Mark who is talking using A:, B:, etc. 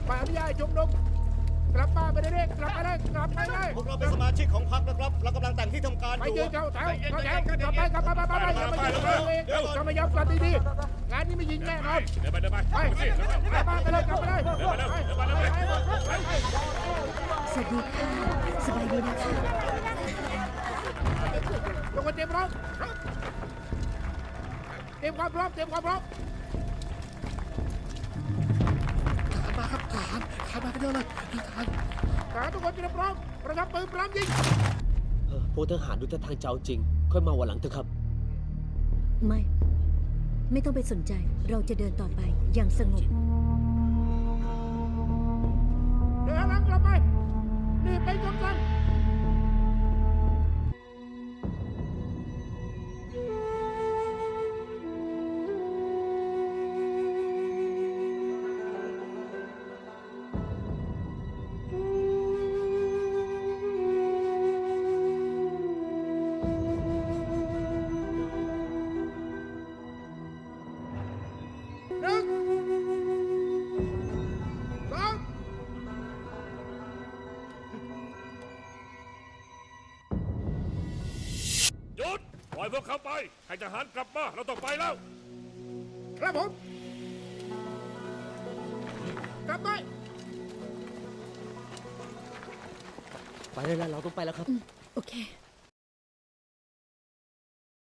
A: ไปอนุญาตชุมนุมกลับบ้านไปได้เลยกลับไปได้กลับไปได้
B: พวกเราเป็นสมาชิกของพรรคนะครับเรากำลังแต่งที่ทำการอ
A: ไป
B: ยู่
A: ยืนเข้าแถวเข้าแถวกลับไปอย่ามายืนจะไม่ยอมกลับดีๆงานนี้ไม่ยิงแน่นอน
C: เดินไป
A: ไปกลับบ้านไปเลยกลับไปเลย
D: สวัสดีค่ะ สบายดีนะคะ
A: ทุกคนเตรียมพร้อมเตรียมความพร้อมเตรียมความพร้อม
E: มาครับทหารมากันเยอะเลยทหาร
A: ทหารทุกคนเตรียมพร้อมประทับปืนพร้อมยิง
F: พวกทหารดูท่าทางจะเอาจริง ค่อยมาวันหลังเถอะครับ
D: ไม่ต้องไปสนใจ เราจะเดินต่อไปอย่างสงบ
A: เดินหลังกลับไปนี่เป็นคำสั่ง 1 2
C: หยุดปล่อยพวกเขาไปให้ทหารกลับมาเราต้องไปแล้ว
A: ครับผมกลับไป
F: ไปได้แล้วเราต้องไปแล้วครับ
D: โอเค